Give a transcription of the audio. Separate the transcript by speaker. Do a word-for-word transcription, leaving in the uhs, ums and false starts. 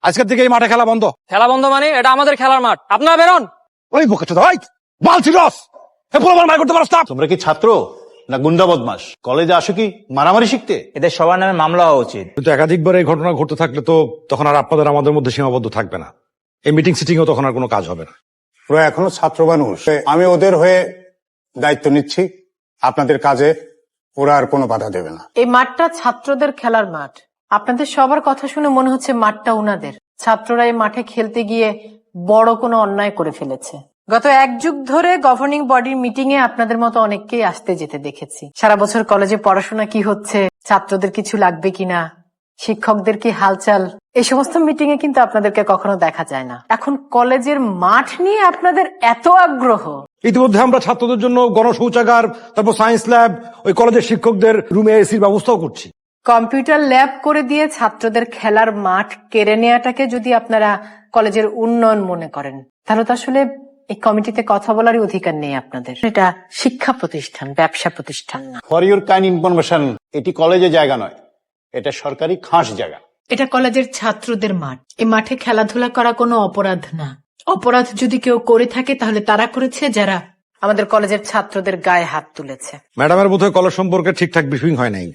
Speaker 1: আজকের থেকে এই মাঠে খেলা বন্ধ।
Speaker 2: খেলা বন্ধ মানে? এটা আমাদের খেলার মাঠ, আপনারা বেরোন।
Speaker 1: ওই বকেছে ভাই বালছি রস মার করতে পারস না।
Speaker 3: তোমরা কি ছাত্র না গুন্ডা বদমাস? কলেজে আসো কি মারামারি শিখতে?
Speaker 4: এদের সবার নামে মামলা হওয়া উচিত।
Speaker 1: কিন্তু একাধিকবার এই ঘটনা ঘটতে থাকলে তো তখন আর আপনাদের আমাদের মধ্যে সীমাবদ্ধ থাকবে না। এই মিটিং সিটিং ও তখন আর কোনো কাজ হবে না।
Speaker 5: ওরা এখনো ছাত্র মানুষ, আমি ওদের হয়ে দায়িত্ব নিচ্ছি। আপনাদের কাজে ওরা আর কোনো বাধা দেবে না।
Speaker 6: এই মাঠটা ছাত্রদের খেলার মাঠ। আপনাদের সবার কথা শুনে মনে হচ্ছে মাঠটা উনাদের। ছাত্ররা এই মাঠে খেলতে গিয়ে বড় কোনো অন্যায় করে ফেলেছে। গত এক যুগ ধরে গভর্নিং বডির মিটিং এ আপনাদের মতো অনেককেই আসতে যেতে দেখেছি। সারা বছর কলেজে পড়াশোনা কি হচ্ছে, ছাত্রদের কিছু লাগবে কিনা, শিক্ষকদের কি হালচাল, এই সমস্ত মিটিং এ কিন্তু আপনাদেরকে কখনো দেখা যায় না। এখন কলেজের মাঠ নিয়ে আপনাদের এত আগ্রহ।
Speaker 1: ইতিমধ্যে আমরা ছাত্রদের জন্য গণশৌচাগার, তারপর সায়েন্স ল্যাব, ওই কলেজের শিক্ষকদের রুমে এসির ব্যবস্থাও করছি।
Speaker 6: কম্পিউটার ল্যাব করে দিয়ে ছাত্রদের খেলার মাঠ কেড়ে নেওয়াটাকে যদি আপনারা কলেজের উন্নয়ন মনে করেন, তাহলে তো আসলে এই কমিটিতে কথা বলারই অধিকার নেই আপনাদের। এটা শিক্ষা প্রতিষ্ঠান, ব্যবসা প্রতিষ্ঠান না।
Speaker 3: ফর ইউর কাইন্ড ইনফরমেশন, এটি কলেজে জায়গা নয়, এটা সরকারি খাস জায়গা।
Speaker 6: এটা কলেজের ছাত্রদের মাঠ। এই মাঠে খেলাধুলা করা কোনো অপরাধ না। অপরাধ যদি কেউ করে থাকে তাহলে তারা করেছে যারা আমাদের কলেজের ছাত্রদের গায়ে হাত তুলেছে।
Speaker 1: ম্যাডামের বোধহয় কলেজ সম্পর্কে ঠিকঠাক ব্রিফিং হয় নাই।